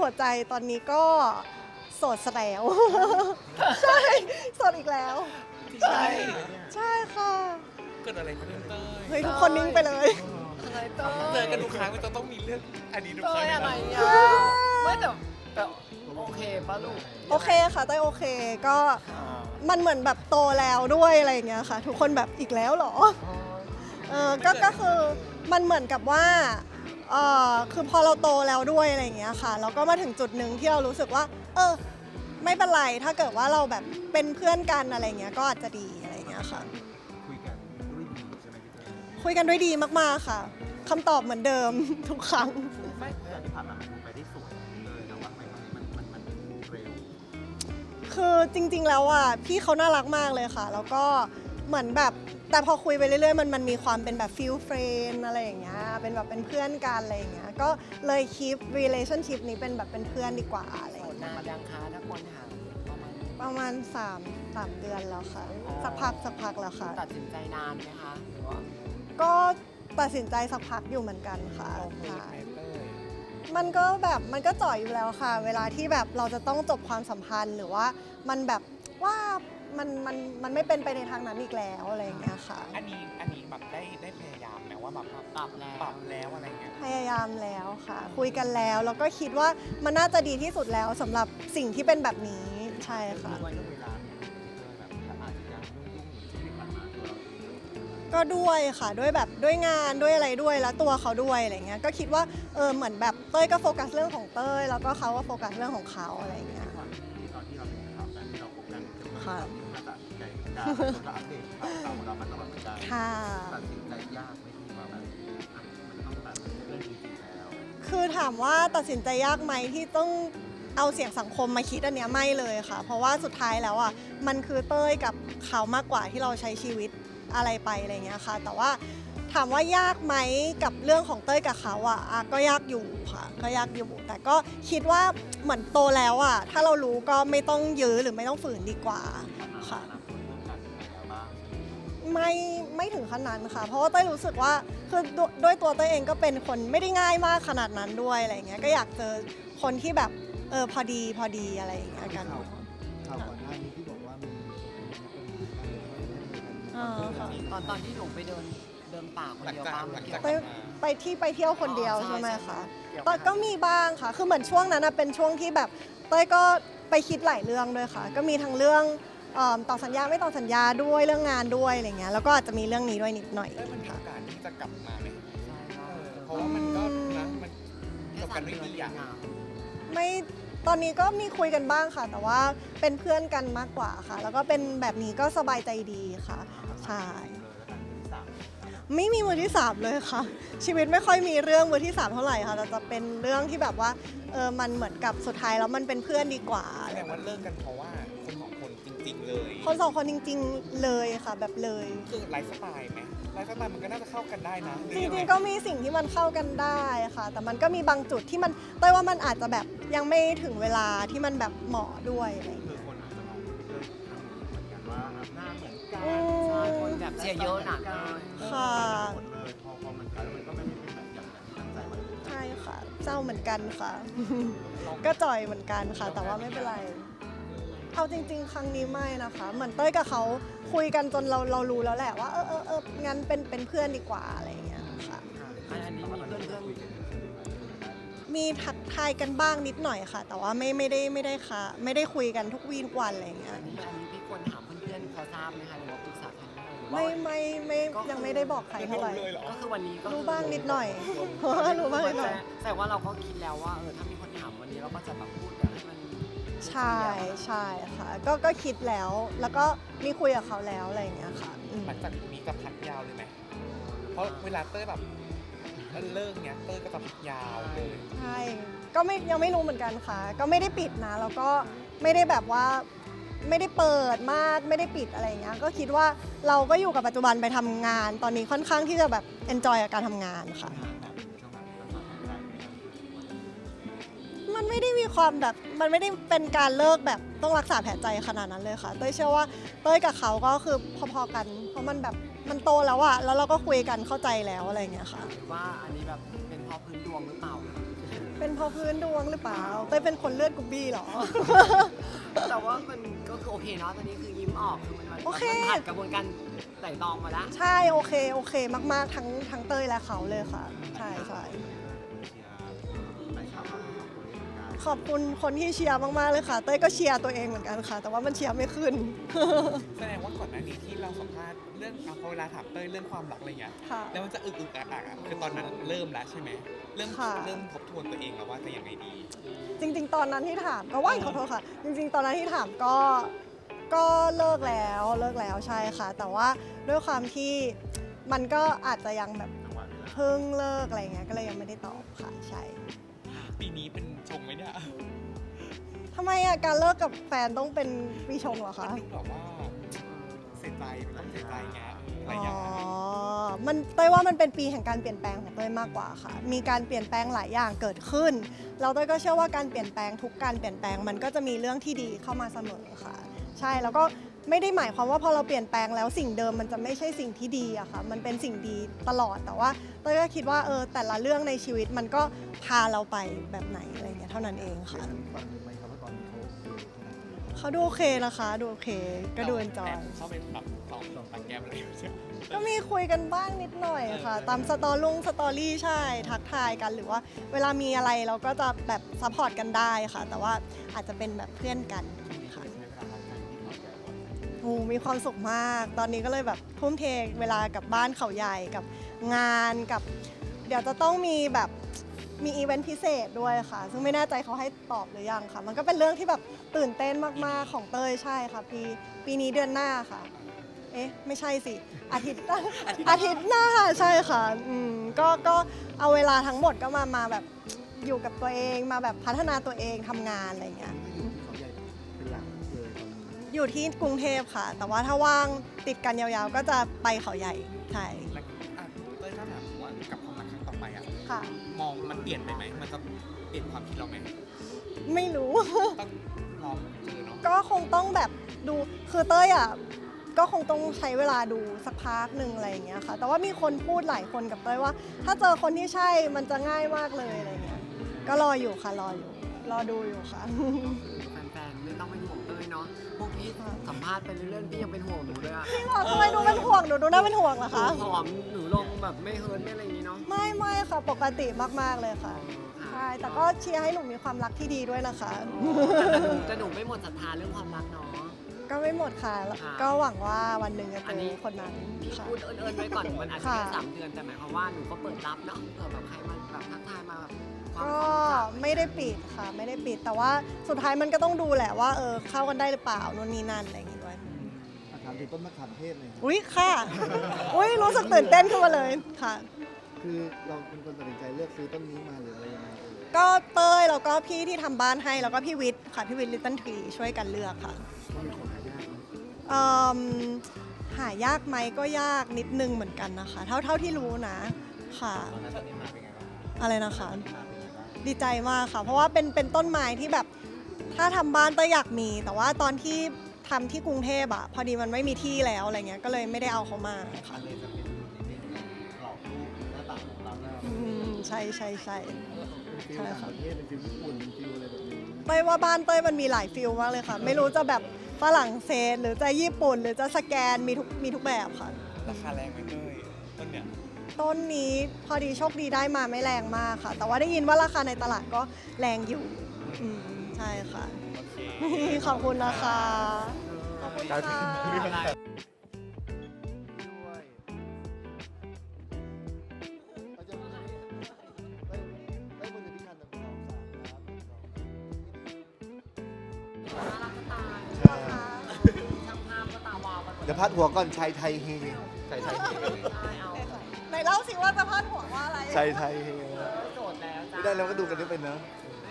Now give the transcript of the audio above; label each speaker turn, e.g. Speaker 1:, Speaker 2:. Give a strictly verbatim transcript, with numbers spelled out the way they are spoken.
Speaker 1: หัวใจตอนนี้ก็โสดซะแล้ว ใช่โสดอีกแล้ว
Speaker 2: ใช่
Speaker 1: ใช่ค่ะ
Speaker 2: เกิดอะไรขึ้นเต้ย
Speaker 1: เฮ้ยทุกคนนิ่งไปเลย
Speaker 3: อะไรเต้
Speaker 2: เจอกันทุกครั้งมันจะต้องมีเรื่องอดีตทุกค
Speaker 3: เต้
Speaker 2: รั้ง
Speaker 3: ยอะไร
Speaker 2: เลยนะ
Speaker 3: อ่ะไม่แต่แต่โอเคป่ะลูก
Speaker 1: โอเคค่ะเต้ยโอเคก็มันเหมือนแบบโตแล้วด้วยอะไรอย่างเงี้ยค่ะ ทุกคนแบบอีกแล้วเหรอเออก็ก็คือมันเหมือนกับว่าเออคือพอเราโตแล้วด้วยอะไรอย่างเงี้ยค่ะแล้วก็มาถึงจุดหนึ่งที่เรารู้สึกว่า เออไม่เป็นไรถ้าเกิดว่าเราแบบเป็นเพื่อนกันอะไรเงี้ยก็อาจจะดีอะไรอย่างเงี้ยค่ะ
Speaker 4: คุยกันด้วยดีใช่ไหมพี่เต้ย
Speaker 1: คุยกันด้วยดีมากๆค่ะคำตอบเหมือนเดิม ทุกครั้ง
Speaker 4: ไม่แต่ที่ผ่านมามันคงไปได้สวยเลยแต่ว่าไม่มันมันมันมันเร็ว
Speaker 1: คือจริงๆ แล้วอ่ะพี่เขาน่ารักมากเลยค่ะ แล้วก็เหมือนแบบแต่พอคุยไปเรื่อยๆ มันมันมีความเป็นแบบฟิลเฟรนอะไรอย่างเงี้ยเป็นแบบเป็นเพื่อนกันอะไรอย่างเงี้ยก็เลยคีป relationship นี้เป็นแบบเป็นเพื่อนดีกว่าอะไรอย่าง
Speaker 3: โสด
Speaker 1: เงี้ย
Speaker 3: นานยังคะถ้าคนถามประมาณ
Speaker 1: ประมาณสามสามเดือนแล้วค่ะ สักพักสักพักแล้วค่ะ
Speaker 3: ตัดสินใจนานไหมคะหรือว่า
Speaker 1: ก็ตัดสินใจสักพักอยู่เหมือนกันค่ะ
Speaker 2: เราคุย
Speaker 1: ใช่
Speaker 2: ไหมเต้ย
Speaker 1: มันก็แบบมันก็จ่อยอยู่แล้วค่ะ เวลาที่แบบเราจะต้องจบความสัมพันธ์หรือว่ามันแบบว่ามันมันมันไม่เป็นไปในทางนั้นอีกแล้วอะไรอย่างเงี้ยค่ะ
Speaker 2: อันนี้อันนี้แบบได้ได้พยายามไหมว่าแบบ
Speaker 3: ปรับแล้ว
Speaker 2: ปรับแล้วอะไรเงี้ย
Speaker 1: พยายามแล้วค่ะ คุยกันแล้วแล้วก็คิดว่ามันน่าจะดีที่สุดแล้วสำหรับสิ่งที่เป็นแบบนี้ใช่ค่ะ
Speaker 4: ด้วยเรื่องเวลาเนี่ยพี่เต้ยแบบอาจจะยังยุ่งๆอยู่ที่ผ่านมาตัวเราเอง
Speaker 1: ก็ด้วยค่ะด้วยแบบด้วยงานด้วยอะไรด้วยแล้วตัวเขาด้วยอะไรเงี้ยก็คิดว่าเออเหมือนแบบเต้ยก็โฟกัสเรื่องของเต้ยแล้วก็เขาก็โฟกัสเรื่องของเขาอะไรเงี้ย
Speaker 4: ก่อนที่ตอนที่เราเป็นข่าวกันที่เราคบกันจะมา
Speaker 1: ค่ะ
Speaker 4: มาตัดสินใจการเราอัปเดตข่าวเราเรามาตลอดเหมือนกัน
Speaker 1: ค่ะ
Speaker 4: ตัดสินใจยากไหมที่ว่าแบบอ่ะมันต้องแบบเรื่องจริงๆแล้ว
Speaker 1: คือถามว่าตัดสินใจยากไหมที่ต้องเอาเสียงสังคมมาคิดอันเนี้ยไม่เลยค่ะ เพราะว่าสุดท้ายแล้วอ่ะมันคือเต้ยกับเขามากกว่าที่เราใช้ชีวิตอะไรไปอะไรเงี้ยค่ะ แต่ว่าถามว่ายากไหมกับเรื่องของเต้ยกับเขาอ่ะอ่ะก็ยากอยู่ค่ะก็ยากอยู่ แต่ก็คิดว่าเหมือนโตแล้วอ่ะถ้าเรารู้ก็ไม่ต้องยื้อหรือไม่ต้องฝืนดีกว่าค่ะ ไม่ไม่ถึงขนาดนั้นค่ะ เพราะว่าเต้ยรู้สึกว่าคือดด้วยตัวเต้ยเองก็เป็นคนไม่ได้ง่ายมากขนาดนั้นด้วยอะไรอย่างเงี้ยก็อยากเจอคนที่แบบเออพอดีพอดีอะไรอย่างเงี้ยกัน
Speaker 4: ข่าวก่อนหน้านี้ที่บอกว่ามี
Speaker 1: อ่าค่ะ
Speaker 3: ตอนตอนที่หนูไปเดินเดินป่าคน
Speaker 2: หลัง
Speaker 3: เดียว
Speaker 2: จาก
Speaker 3: บ้าง
Speaker 2: หลัง
Speaker 3: เกี่ย
Speaker 2: จาก
Speaker 3: ว
Speaker 1: ไป
Speaker 2: กลับมา
Speaker 1: ไปที่ไปเที่ยวคนเดียว
Speaker 3: อ๋อใช่
Speaker 1: ใช่ไหม
Speaker 3: ใช่
Speaker 1: คะ
Speaker 3: เกี่ยว
Speaker 1: ตอนก็มีบ้างค่ะ คือเหมือนช่วงนั้นนะเป็นช่วงที่แบบเต้ยก็ไปคิดหลายเรื่องด้วยค่ะ ก็มีทั้งเรื่องเอิ่มต่อสัญญาไม่ต่อสัญญาด้วยเรื่องงานด้วยอะไรเงี้ยแล้วก็อาจจะมีเรื่องนี้ด้วยนิดหน่อย
Speaker 2: เต้ยมันมีโอกาสที่จะกลับมาไหม
Speaker 3: ใช่
Speaker 2: เอ
Speaker 3: ว่า
Speaker 2: อเพราะว่ามันก็นะมันจบกันด้วยดีอ่ะ
Speaker 1: ไม่ตอนนี้ก็มีคุยกันบ้างค่ะ แต่ว่าเป็นเพื่อนกันมากกว่าค่ะ แล้วก็เป็นแบบนี้ก็สบายใจดีค่ะใช่ไม่มีมือที่สามเลยค่ะ ชีวิตไม่ค่อยมีเรื่องมือที่สามเท่าไหร่ค่ะแต่จะเป็นเรื่องที่แบบว่าเออมันเหมือนกับสุดท้ายแล้วมันเป็นเพื่อนดีกว่า
Speaker 2: แสดงว่าเลิกกันเพราะว่าคนสองคนจริง ๆ เลย
Speaker 1: คนสองคนจริง ๆเลยค่ะแบบเลย
Speaker 2: คือไลฟ์สไตล์ไหมไลฟ์สไตล์มันก็น่าจะเข้ากันได้นะห
Speaker 1: จ
Speaker 2: อยัไ
Speaker 1: ริงๆก็มีสิ่งที่มันเข้ากันได้ค่ะ แต่มันก็มีบางจุดที่มันเต้ยว่ามันอาจจะแบบยังไม่ถึงเวลาที่มันแบบเหมาะด้วยอะไรอย่าง
Speaker 4: คื
Speaker 1: เงี้
Speaker 4: อย คนอาจจะมองพี่เต้ยทางนี้เหมือนกันว่าหน้าเหมือนกัน
Speaker 1: อื
Speaker 3: ใช่
Speaker 1: ม
Speaker 3: คนแบบเชียร์เยอะหนักเลย
Speaker 1: ค่ะ
Speaker 4: หมดเลยพอพอมันกลายแล้วมันก็ไม่ได้เป็นแบบอย่างที่ตั้งใจไว้
Speaker 1: ใช่ค่ะเจ้าเหมือนกันค่ะ ก็จ่อยเหมือนกันค่ะ แต่ว่าไม่เป็นไร เอาจริง ๆ ครั้งนี้ไม่นะคะ เหมือนเต้ยกับเขาคุยกันจนเราเรารู้แล้วแหละว่าเออเออเอองั้นเป็นเป็นเพื่อนดีกว่าอะไรอย่างเงี้ยค่ะ
Speaker 3: อันนี้มีเพื่อนเพื่อน
Speaker 1: มีทักทายกันบ้างนิดหน่อยค่ะ แต่ว่าไม่ไม่ได้ไม่ได้ค่ะ ไม่ได้คุยกันทุกวีทุกวันอะไรอย่างเงี้ย
Speaker 3: อันนี้อันนี้พี่ควรถามเพื่อนๆเขาทราบไหมคะหรือว่าปรึกษาใครหรือว่า
Speaker 1: ไม่ไม่ไม่ยังไม่ได้บอกใครเท่าไหร่
Speaker 2: เลยเหรอ
Speaker 3: ก็คือวันนี้ก็
Speaker 1: รู้บ้างนิดหน่อย รู้บ้างนิดหน่อย
Speaker 3: แต่ว่าเราก็คิดแล้วว่าเออถ้ามีคนถามวันนี้เราก็จะแบบพูดกันให้มัน
Speaker 1: ใช่ใช่ค่ะ ก็ก็คิดแล้ว แล้วก็มีคุยกับเขาแล้วอะไรอย่างเงี้ยค่ะอืม
Speaker 2: หลังจากนี้จะพักยาวเลยไหมเพราะเวลาเต้ยแบบเลิกเนี้ยเต้ยก็จะพักยาวเลย
Speaker 1: ใช่ ก็ไม่ยังไม่รู้เหมือนกันค่ะ ก็ไม่ได้ปิดนะ แล้วก็ไม่ได้แบบว่าไม่ได้เปิดมาก ไม่ได้ปิดอะไรอย่างเงี้ย ก็คิดว่าเราก็อยู่กับปัจจุบันไปทำงาน ตอนนี้ค่อนข้างที่จะแบบ enjoy กับการทำงานค่ะ มันไม่ได้มีความแบบ มันไม่ได้เป็นการเลิกแบบต้องรักษาแผลใจขนาดนั้นเลยค่ะ เต้ยเชื่อว่าเต้ยกับเขาก็คือพอๆกัน เพราะมันแบบมันโตแล้วอะแล้วเราก็คุยกันเข้าใจแล้วอะไรอย่างเงี้ยค่ะ
Speaker 3: หรือว่าอันนี้แบบเป็นเพราะพื้นดวงหรือเปล่า
Speaker 1: เเป็นเพราะพื้นดวงหรือเปล่าเต้ยเป็นคนเลือดกรุ๊บบี้เหรอ
Speaker 3: แต่ว่ามันก็คือโอเคเนาะตอนนี้คือยิ้มออกคือมันมัน
Speaker 1: โอเค
Speaker 3: มันผ่านกระบวนการไต่ตองมาแล้ว
Speaker 1: ใช่โอเคโอเคมากๆทั้งทั้งเต้ยและเขาเลยค่ะ ใช่ใช่
Speaker 4: ไปข่าวมาคนนี้เหมือนกัน
Speaker 1: ขอบคุณคนที่เชียร์มากๆเลยค่ะเต้ยก็เชียร์ตัวเองเหมือนกันค่ะ แต่ว่ามันเชียร์ไม่ขึ้น
Speaker 2: แสดงว่าก่อนหน้านี้ที่เราสัมภาษณ์เรื่องเอาพอเวลาถามเต้ยเรื่องความรักอะไรเงี้ย
Speaker 1: ค่ะ
Speaker 2: แล้วมันจะอึกอึกอักอักอะคือตอนนั้นเริ่มแล้วใช่ไหมเริ่ม
Speaker 1: ค่ะ
Speaker 2: เริ่มทบทวนตัวเองแล้วว่าจะยังไงดี
Speaker 1: จริงๆ ตอนนั้นที่ถามก็ว่าขอโทษค่ะ จริงๆ ตอนนั้นที่ถามก็ก็เลิกแล้วเลิกแล้วใช่ค่ะ แต่ว่าด้วยความที่มันก็อาจจะยังแบบ
Speaker 4: จังหวะเวลา
Speaker 1: เพิ่งเลิกอะไรเงี้ยก็เลยยังไม่ได้ตอบค่ะใช่
Speaker 2: ปีนี้เป็นชงไหมเนี่ย
Speaker 1: ทำไมอ่ะการเลิกกับแฟนต้องเป็นปีชงเหรอ
Speaker 2: มั
Speaker 1: คะ
Speaker 2: นดูแบบว่าเสียใจมันต้องเสียใจไงอะไร
Speaker 1: อ๋
Speaker 2: อย่าง
Speaker 1: อ
Speaker 2: เงี้ย
Speaker 1: มันเต้ยว่ามันเป็นปีแห่งการเปลี่ยนแปลงของเต้ยมากกว่าค่ะ มีการเปลี่ยนแปลงหลายอย่างเกิดขึ้นเราเต้ยก็เชื่อว่าการเปลี่ยนแปลงทุกการเปลี่ยนแปลงมันก็จะมีเรื่องที่ดีเข้ามาเสมอค่ะ ใช่แล้วก็ไม่ได้หมายความว่าพอเราเปลี่ยนแปลงแล้วสิ่งเดิมมันจะไม่ใช่สิ่งที่ดีอะค่ะ มันเป็นสิ่งดีตลอดแต่ว่าเต้ยก็คิดว่าเออแต่ละเรื่องในชีวิตมันก็พาเราไปแบบไหนอะไรเงี้ยเท่านั้นเองค่ะ
Speaker 4: ฟังไหมครับว่าตอนนี้เขาโอเคขนาดไหน
Speaker 1: เขาดูโอเคนะคะดูโอเคก็ดูเอนจอย
Speaker 2: แบเข้าไปแบบสองสองตังแก้มอะไรใช่ไหม
Speaker 1: ก็มีคุยกันบ้างนิดหน่อยค่ะ ตามสตอรุ่งสตอรี่ใช่ ทักทายกันหรือว่าเวลามีอะไรเราก็จะแบบซัพพอร์ตกันได้ค่ะ แต่ว่าอาจจะเป็นแบบเพื่อนกันค่ะ
Speaker 4: ใช้เวลาทำงานที่เขาแก่ก่อน
Speaker 1: โอ้มีความสุขมาก ตอนนี้ก็เลยแบบทุ่มเทเวลากับบ้านเขาใหญ่กับงานกับ เดี๋ยวจะต้องมีแบบมีอีเวนต์พิเศษด้วยค่ะ ซึ่งไม่แน่ใจเขาให้ตอบหรือยังค่ะ มันก็เป็นเรื่องที่แบบตื่นเต้นมากๆของเต้ยใช่ค่ะปีปีนี้เดือนหน้าค่ะ เอ๊ะไม่ใช่สิ อาทิตย์ อาทิตย์หน้าใช่ค่ะอืมก็ก็เอาเวลาทั้งหมดก็มามาแบบอยู่กับตัวเองมาแบบพัฒนาตัวเองทำงานอะไรอย่างเงี้ย
Speaker 4: ก็อยู่ที่เขาใหญ่เป็นหลักเลยตอนนี้
Speaker 1: อยู่ที่กรุงเทพค่ะ แต่ว่าถ้าว่างติดกันยาวๆ ก็จะไปเขาใหญ่ใช่
Speaker 2: แล้วอ่ะเต้ยถ้าถามว่ากับความรักครั้งต่อไปอ่ะ
Speaker 1: ค่ะ
Speaker 2: มองมันเปลี่ยนไปไหมมันจะเปลี่ยนความคิดเราไหม
Speaker 1: ไม่รู้
Speaker 2: ต้องลองเจอเนาะ
Speaker 1: ก็คงต้องแบบดูคือเต้ยอ่ะก็คงต้องใช้เวลาดูสักพักหนึ่งอะไรอย่างเงี้ยค่ะ แต่ว่ามีคนพูดหลายคนกับเต้ยว่า ถ้าเจอคนที่ใช่มันจะง่ายมากเลยอะไรเงี้ยก็รออยู่ค่ะรออยู่ รอดูอยู่ค่ะ
Speaker 3: แฟนๆไม่ต้องเป็นห่วงเต้ยเนาะพวกพี่สัมภาษณ์ไปเรื่อยๆพี่ยังเป็นห่วงหนูเลยอะ
Speaker 1: ทำไมดูเป็นห่วงหนูดูน่าเป็นห่วงเหรอ
Speaker 3: หนู
Speaker 1: คะ
Speaker 3: ผอมหนูลงแบบไม่เฮิร์ตไม่อะไรอย่างนี้เนาะ
Speaker 1: ไม่ไม่ค่ะปกติมากๆเลยค่ะ
Speaker 3: ค่ะ
Speaker 1: ใช่แต่ก็เชียร์ให้หนูมีความรักที่ดีด้วยนะคะ
Speaker 3: แต่หนูแต่หนูไม่หมดศรัทธาเรื่องความรักเนาะ
Speaker 1: ก็ไม่หมดค่ะ
Speaker 3: ค่ะ
Speaker 1: ก็หวังว่าวันหนึ่งจะ
Speaker 3: อั
Speaker 1: เจ
Speaker 3: นนี้
Speaker 1: อคนนั้น
Speaker 3: พี่
Speaker 1: ค่ะ
Speaker 3: พูดเอิญๆไว้ก่อนมันอาจจะ
Speaker 1: ค่ะ
Speaker 3: แค่สามเดือนแต่หมายความว่าหนูก็เปิดรับเนาะเผื่อแบบใครมาแบบทักทายมาแบบความ
Speaker 1: ก็
Speaker 3: ความรู้จัก
Speaker 1: ไม่ได้ปิดค่ะ ไม่ได้ปิดแต่ว่าสุดท้ายมันก็ต้องดูแหละว่าเออเข้ากันได้หรือเปล่านู่นนี่นั่นอะไรอย่างงี้ด้วย
Speaker 4: อ่ะถามถึงต้นมะขามเทศเลยครับ
Speaker 1: อุ้ยค่ะ อุ้ยรู้สึกตื่นเต้นขึ้นมาเลยค่ะ
Speaker 4: คือเราเป็นคนตัดสินใจเลือกซื้อต้นนี้มาหรืออะไรยังไงเอ่ย
Speaker 1: ก็เต้ยแล้วก็พี่ที่ทำบ้านให้แล้วก็พี่วิทย์ค่ะพี่วิทย์ลิตเติ้ลทรีช่วยกันเลือกค่ะ
Speaker 4: ว่าเป็นของหายากไหม
Speaker 1: เอิ่มหายากไหมก็ยากนิดนึงเหมือนกันนะคะ เท่าเท่าที่รู้นะค่ะ
Speaker 4: ตอนนั้นต้นนี้มาเป็นไงบ้าง
Speaker 1: อะไรนะคะ
Speaker 4: มาเป็นไงบ้าง
Speaker 1: ดีใจมากค่ะ เพราะว่าเป็นเป็นต้นไม้ที่แบบถ้าทำบ้านเต้ยอยากมี แต่ว่าตอนที่ทำที่กรุงเทพอะพอดีมันไม่มีที่แล้วอะไรเงี้ยก็เลยไม่ได้เอาเขามาค่ะ
Speaker 4: อันเลยจะเป็นนิดนึงกรอบรูปหน้าต่างของเราเนี่ย
Speaker 1: อืมใช่ใช่ใช่
Speaker 4: เป็นฟิลต่างประเทศเป็นฟิลญี่ปุ่นเป็นฟิลอะไรแบบนี้
Speaker 1: เต้ยว่าบ้านเต้ยมันมีหลายฟิลมากเลยค่ะ ไม่รู้จะแบบฝรั่งเศสหรือจะญี่ปุ่น หรือจะสแกนมีทุกมีทุกแบบค่ะ
Speaker 2: ราคาแรงไหมเต้ยต้นเนี่ย
Speaker 1: ต้นนี้พอดีโชคดีได้มาไม่แรงมากค่ะ แต่ว่าได้ยินว่าราคาในตลาดก็แรงอยู่อืมใช่ค่ะ
Speaker 2: โอเค
Speaker 1: ขอบคุณนะคะขอบคุณค่ะ
Speaker 3: อะไร
Speaker 4: ด้วยเราจะมาได้ได้บนที่คันหนึ่งสองสามครับ
Speaker 3: น่ารักจะตาย
Speaker 4: ใช่
Speaker 3: ช่างภาพก็ตาวาวกันหมด
Speaker 4: เดี๋ยวพาดหัวก่อนชายไทยเฮชายไทยเฮ
Speaker 3: ได้เอา
Speaker 1: ไหนเล่าสิว่าจะพาดหัวว่าอะไร
Speaker 4: ชายไทยเฮ
Speaker 3: โจทย์แล้วจ้า
Speaker 4: ไม่ได้เราก็ดูกันด้วยเป็นเนอะ
Speaker 3: เ